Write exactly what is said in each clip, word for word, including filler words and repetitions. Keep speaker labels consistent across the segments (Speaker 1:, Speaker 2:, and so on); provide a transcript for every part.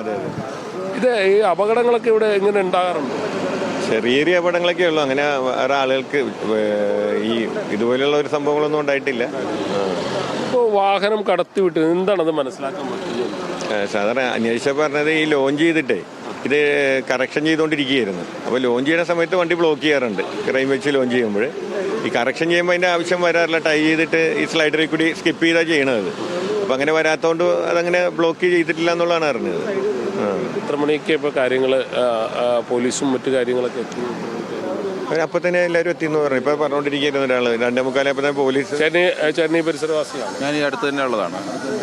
Speaker 1: അതെ അതെ.
Speaker 2: ഇത് ഈ അപകടങ്ങളൊക്കെ ഇവിടെ എങ്ങനെ ഉണ്ടാകാറുണ്ട്?
Speaker 1: ചെറിയ ചെറിയ അപകടങ്ങളൊക്കെ ഉള്ളൂ. അങ്ങനെ വേറെ ആളുകൾക്ക് ഈ ഇതുപോലെയുള്ള ഒരു സംഭവങ്ങളൊന്നും ഉണ്ടായിട്ടില്ല.
Speaker 2: ഇപ്പോൾ വാഹനം കടത്തി വിട്ട് എന്താണത് മനസ്സിലാക്കാൻ പറ്റുന്നത്?
Speaker 1: സാധാരണ അന്വേഷിച്ച പറഞ്ഞത് ഈ ലോഞ്ച് ചെയ്തിട്ടേ ഇത് കറക്ഷൻ ചെയ്തുകൊണ്ടിരിക്കുകയായിരുന്നു. അപ്പോൾ ലോഞ്ച് ചെയ്യുന്ന സമയത്ത് വണ്ടി ബ്ലോക്ക് ചെയ്യാറുണ്ട്. ക്രൈം വെച്ച് ലോഞ്ച് ചെയ്യുമ്പോൾ ഈ കറക്ഷൻ ചെയ്യുമ്പോൾ അതിൻ്റെ ആവശ്യം വരാറില്ല. ടൈ ചെയ്തിട്ട് ഈ സ്ലൈഡറിൽ കൂടി സ്കിപ്പ് ചെയ്താണ് ചെയ്യണത്. അപ്പം അങ്ങനെ വരാത്തതുകൊണ്ട് അതങ്ങനെ ബ്ലോക്ക് ചെയ്തിട്ടില്ല എന്നുള്ളതാണ് അറിഞ്ഞത്.
Speaker 2: എത്ര മണിക്ക് ഇപ്പോൾ കാര്യങ്ങൾ പോലീസും മറ്റു കാര്യങ്ങളൊക്കെ എത്തി?
Speaker 1: അപ്പം തന്നെ എല്ലാവരും എത്തിയെന്ന് പറഞ്ഞു. ഇപ്പോൾ പറഞ്ഞുകൊണ്ടിരിക്കുകയായിരുന്നു ഒരാൾ രണ്ടേ മുക്കാലപ്പോൾ തന്നെ പോലീസ്.
Speaker 2: ചെന്നൈ ചെന്നൈ പരിസരവാസിയാണ്
Speaker 3: ഞാൻ. ഈ അടുത്ത് തന്നെ ഉള്ളതാണ്.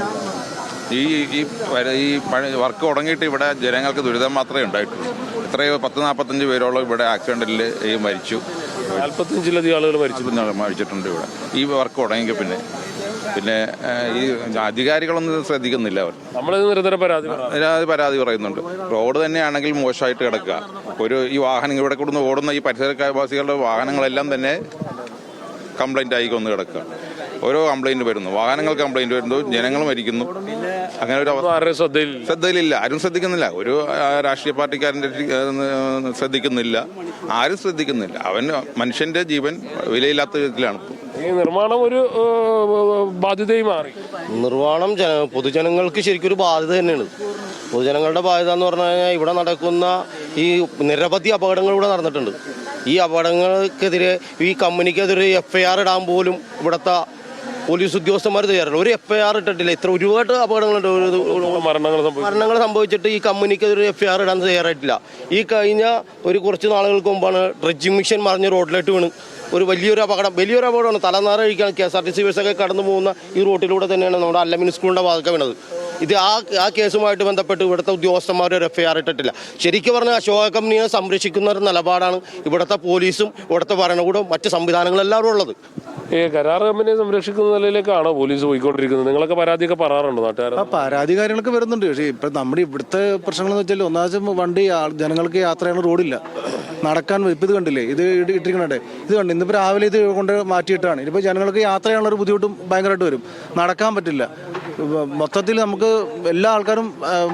Speaker 3: ഈ ഈ ഈ വർക്ക് തുടങ്ങിയിട്ട് ഇവിടെ ജനങ്ങൾക്ക് ദുരിതം മാത്രമേ ഉണ്ടായിട്ടുള്ളൂ. എത്രയോ പത്ത് നാൽപ്പത്തഞ്ച് പേരോളം ഇവിടെ ആക്സിഡൻറ്റിൽ ഈ മരിച്ചു.
Speaker 2: നാൽപ്പത്തഞ്ചിലധികം ആളുകൾ മരിച്ചു
Speaker 3: മരിച്ചിട്ടുണ്ട് ഇവിടെ ഈ വർക്ക് തുടങ്ങിയെങ്കിൽ. പിന്നെ പിന്നെ ഈ അധികാരികളൊന്നും ശ്രദ്ധിക്കുന്നില്ല. അവർ
Speaker 2: നമ്മൾ നിരന്തരം പരാതി
Speaker 3: പരാതി പറയുന്നുണ്ട്. റോഡ് തന്നെയാണെങ്കിൽ മോശമായിട്ട് കിടക്കുക. ഒരു ഈ വാഹനം ഇവിടെ കൂടുന്ന ഓടുന്ന ഈ പരിസരവാസികളുടെ വാഹനങ്ങളെല്ലാം തന്നെ കംപ്ലൈൻ്റ് ആയിക്കൊന്ന് കിടക്കുക. ഓരോ കംപ്ലൈൻറ്റ് വരുന്നു, വാഹനങ്ങൾ കംപ്ലൈൻറ്റ് വരുന്നു, ജനങ്ങൾ മരിക്കുന്നു. അങ്ങനെ ഒരു ശ്രദ്ധയിലില്ല, ആരും ശ്രദ്ധിക്കുന്നില്ല. ഒരു രാഷ്ട്രീയ പാർട്ടിക്കാരൻ്റെ ശ്രദ്ധിക്കുന്നില്ല, ആരും ശ്രദ്ധിക്കുന്നില്ല. അവൻ മനുഷ്യൻ്റെ ജീവൻ വിലയില്ലാത്ത വിധത്തിലാണ്.
Speaker 2: ഈ നിർമ്മാണം ഒരു ബാധ്യതയായി മാറി.
Speaker 4: നിർമ്മാണം ജന പൊതുജനങ്ങൾക്ക് ശരിക്കും ഒരു ബാധ്യത തന്നെയാണ്. പൊതുജനങ്ങളുടെ ബാധ്യത എന്ന് പറഞ്ഞു കഴിഞ്ഞാൽ ഇവിടെ നടക്കുന്ന ഈ നിരവധി അപകടങ്ങൾ ഇവിടെ നടന്നിട്ടുണ്ട്. ഈ അപകടങ്ങൾക്കെതിരെ ഈ കമ്പനിക്കെതിരെ എഫ് ഐ ആർ ഇടാൻ പോലും ഇവിടുത്തെ പോലീസ് ഉദ്യോഗസ്ഥന്മാർ തയ്യാറുണ്ട്. ഒരു എഫ് ഐ ആർ ഇട്ടിട്ടില്ല. ഇത്ര ഒരുപാട് അപകടങ്ങളുണ്ട്, മരണങ്ങൾ സംഭവിച്ചിട്ട് ഈ കമ്പനിക്കെതിരെ എഫ് ഐ ആർ ഇടാൻ തയ്യാറായിട്ടില്ല. ഈ കഴിഞ്ഞ ഒരു കുറച്ച് നാളുകൾക്ക് മുമ്പാണ് ഡ്രഡ്ജിങ് മിഷൻ മറിഞ്ഞ് റോഡിലോട്ട് വീണ് ഒരു വലിയൊരു അപകടം വലിയൊരു അപകടമാണ്. തലനാറ കഴിക്കാൻ K S R T C ബസ്സൊക്കെ കടന്നു പോകുന്ന ഈ റോഡിലൂടെ തന്നെയാണ് നമ്മുടെ അല്ലമിൻ സ്കൂളിൻ്റെ ഭാഗത്ത് വീണത്. ഇത് ആ ആ കേസുമായിട്ട് ബന്ധപ്പെട്ട് ഇവിടുത്തെ ഉദ്യോഗസ്ഥന്മാർ ഒരു എഫ് ഐ ആർ ഇട്ടിട്ടില്ല. ശരിക്കും പറഞ്ഞാൽ അശോക കമ്പനിയെ സംരക്ഷിക്കുന്ന ഒരു നിലപാടാണ് ഇവിടുത്തെ പോലീസും ഇവിടുത്തെ ഭരണകൂടവും മറ്റ് സംവിധാനങ്ങളെല്ലാവരും ഉള്ളത്.
Speaker 2: ഈ കരാർ കമ്പനിയെ സംരക്ഷിക്കുന്ന നിലയിലേക്കാണോ പോലീസ് പോയിക്കൊണ്ടിരിക്കുന്നത്? നിങ്ങളൊക്കെ പരാതിയൊക്കെ പറയാറുണ്ടോ നാട്ടുകാർ?
Speaker 5: പരാതി കാര്യങ്ങളൊക്കെ വരുന്നുണ്ട്. പക്ഷേ ഇപ്പം നമ്മുടെ ഇവിടുത്തെ പ്രശ്നങ്ങളെന്ന് വെച്ചാൽ ഒന്നാമത് വണ്ടി ജനങ്ങൾക്ക് യാത്ര ചെയ്യാൻ റോഡില്ല, നടക്കാൻ. ഇപ്പം ഇത് കണ്ടില്ലേ, ഇത് ഇട്ടിരിക്കണേ, ഇത് കണ്ട് ഇന്നിപ്പോൾ രാവിലെ ഇത് കൊണ്ട് മാറ്റിയിട്ടാണ്. ഇനിയിപ്പോൾ ജനങ്ങൾക്ക് യാത്ര ചെയ്യാനുള്ളൊരു ബുദ്ധിമുട്ടും ഭയങ്കരമായിട്ട് വരും, നടക്കാൻ പറ്റില്ല. മൊത്തത്തിൽ നമുക്ക് എല്ലാ ആൾക്കാരും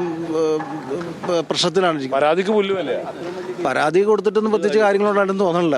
Speaker 5: പ്രശ്നത്തിലാണ്.
Speaker 2: പരാതിക്ക് പുല്ലുമല്ലേ?
Speaker 5: പരാതി കൊടുത്തിട്ടൊന്നും പ്രത്യേകിച്ച് കാര്യങ്ങളുണ്ടായിട്ടൊന്നും തോന്നണില്ല.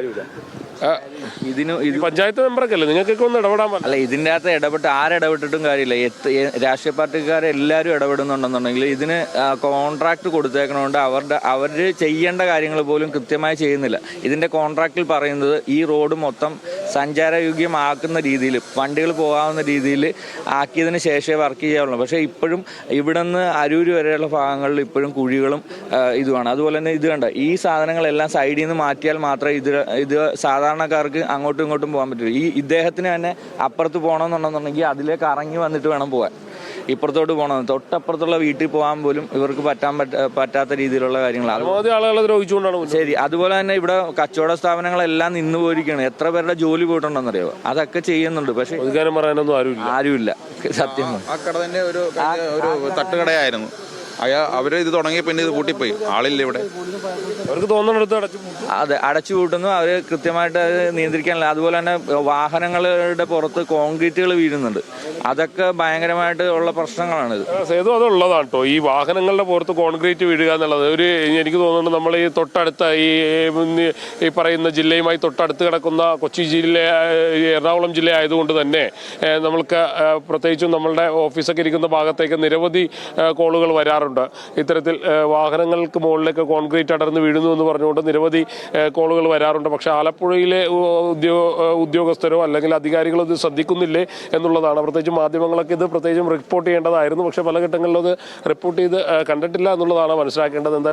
Speaker 6: ഇതിന് ഇത്
Speaker 2: പഞ്ചായത്ത് മെമ്പറൊക്കെ അല്ലേ, നിങ്ങൾക്കൊക്കെ ഒന്ന് ഇടപെടാൻ പറ്റില്ല?
Speaker 6: അല്ല, ഇതിൻ്റെ അകത്ത് ഇടപെട്ട് ആരിടപെട്ടിട്ടും കാര്യമില്ല. രാഷ്ട്രീയ പാർട്ടിക്കാരെല്ലാവരും ഇടപെടുന്നുണ്ടെന്നുണ്ടെങ്കിൽ ഇതിന് കോൺട്രാക്ട് കൊടുത്തേക്കണോണ്ട് അവരുടെ അവർ ചെയ്യേണ്ട കാര്യങ്ങൾ പോലും കൃത്യമായി ചെയ്യുന്നില്ല. ഇതിൻ്റെ കോൺട്രാക്റ്റിൽ പറയുന്നത് ഈ റോഡ് മൊത്തം സഞ്ചാരയോഗ്യമാക്കുന്ന രീതിയിൽ, വണ്ടികൾ പോകാവുന്ന രീതിയിൽ ആക്കിയതിന് ശേഷമേ വർക്ക് ചെയ്യാവുള്ളൂ. പക്ഷേ ഇപ്പോഴും ഇവിടെ നിന്ന് അരൂര് വരെയുള്ള ഭാഗങ്ങളിൽ ഇപ്പോഴും കുഴികളും ഇതുമാണ്. അതുപോലെ തന്നെ ഇത് കണ്ട ഈ സാധനങ്ങളെല്ലാം സൈഡിൽ നിന്ന് മാറ്റിയാൽ മാത്രമേ ഇത് ഇത് സാധാരണക്കാർക്ക് അങ്ങോട്ടും ഇങ്ങോട്ടും പോകാൻ പറ്റുള്ളൂ. ഈ ഇദ്ദേഹത്തിന് തന്നെ അപ്പുറത്ത് പോകണമെന്നുണ്ടെന്നുണ്ടെങ്കിൽ അതിലേക്ക് ഇറങ്ങി വന്നിട്ട് വേണം പോകാൻ. ഇപ്പുറത്തോട്ട് പോകണം, തൊട്ടപ്പുറത്തുള്ള വീട്ടിൽ പോകാൻ പോലും ഇവർക്ക് പറ്റാൻ പറ്റാത്ത രീതിയിലുള്ള കാര്യങ്ങളാണ്. ശരി, അതുപോലെ തന്നെ ഇവിടെ കച്ചവട സ്ഥാപനങ്ങളെല്ലാം നിന്ന് പോയിരിക്കുകയാണ്. എത്ര പേരുടെ ജോലി പോയിട്ടുണ്ടെന്നറിയോ? അതൊക്കെ ചെയ്യുന്നുണ്ട്, പക്ഷെ ആരുമില്ല. സത്യം,
Speaker 3: ആ കട തന്നെ ഒരു തട്ടുകടയായിരുന്നു. അയാ അവര് ഇത് തുടങ്ങിയ പിന്നെ ഇത് കൂട്ടിപ്പോയി, ആളില്ല ഇവിടെ.
Speaker 2: അവർക്ക് തോന്നുന്നിടത്ത് അടച്ചു
Speaker 6: അതെ അടച്ചു പൂട്ടുന്നു. അവർ കൃത്യമായിട്ട് അത് നിയന്ത്രിക്കാനില്ല. അതുപോലെ തന്നെ വാഹനങ്ങളുടെ പുറത്ത് കോൺക്രീറ്റുകൾ വീഴുന്നുണ്ട്. അതൊക്കെ ഭയങ്കരമായിട്ട് ഉള്ള പ്രശ്നങ്ങളാണിത്.
Speaker 2: സേതു, അതുള്ളതാണ് കേട്ടോ ഈ വാഹനങ്ങളുടെ പുറത്ത് കോൺക്രീറ്റ് വീഴുക എന്നുള്ളത്. ഒരു എനിക്ക് തോന്നുന്നുണ്ട് നമ്മൾ ഈ തൊട്ടടുത്ത ഈ ഈ പറയുന്ന ജില്ലയുമായി തൊട്ടടുത്ത് കിടക്കുന്ന കൊച്ചി ജില്ല, എറണാകുളം ജില്ല ആയതുകൊണ്ട് തന്നെ നമ്മൾക്ക് പ്രത്യേകിച്ചും നമ്മളുടെ ഓഫീസൊക്കെ ഇരിക്കുന്ന ഭാഗത്തേക്ക് നിരവധി കോളുകൾ വരാറുണ്ട്. ഇത്തരത്തിൽ വാഹനങ്ങൾക്ക് മുകളിലേക്ക് കോൺക്രീറ്റ് അടർന്ന് വീഴുന്നു എന്ന് പറഞ്ഞുകൊണ്ട് നിരവധി കോളുകൾ വരാറുണ്ട്. പക്ഷെ ആലപ്പുഴയിലെ ഉദ്യോഗ ഉദ്യോഗസ്ഥരോ അല്ലെങ്കിൽ അധികാരികളോ ഇത് ശ്രദ്ധിക്കുന്നില്ലേ എന്നുള്ളതാണ്. പ്രത്യേകിച്ച് മാധ്യമങ്ങളൊക്കെ ഇത് പ്രത്യേകിച്ചും റിപ്പോർട്ട് ചെയ്യേണ്ടതായിരുന്നു. പക്ഷെ പല ഘട്ടങ്ങളിലും അത് റിപ്പോർട്ട് ചെയ്ത് കണ്ടിട്ടില്ല എന്നുള്ളതാണ് മനസ്സിലാക്കേണ്ടത്. എന്താ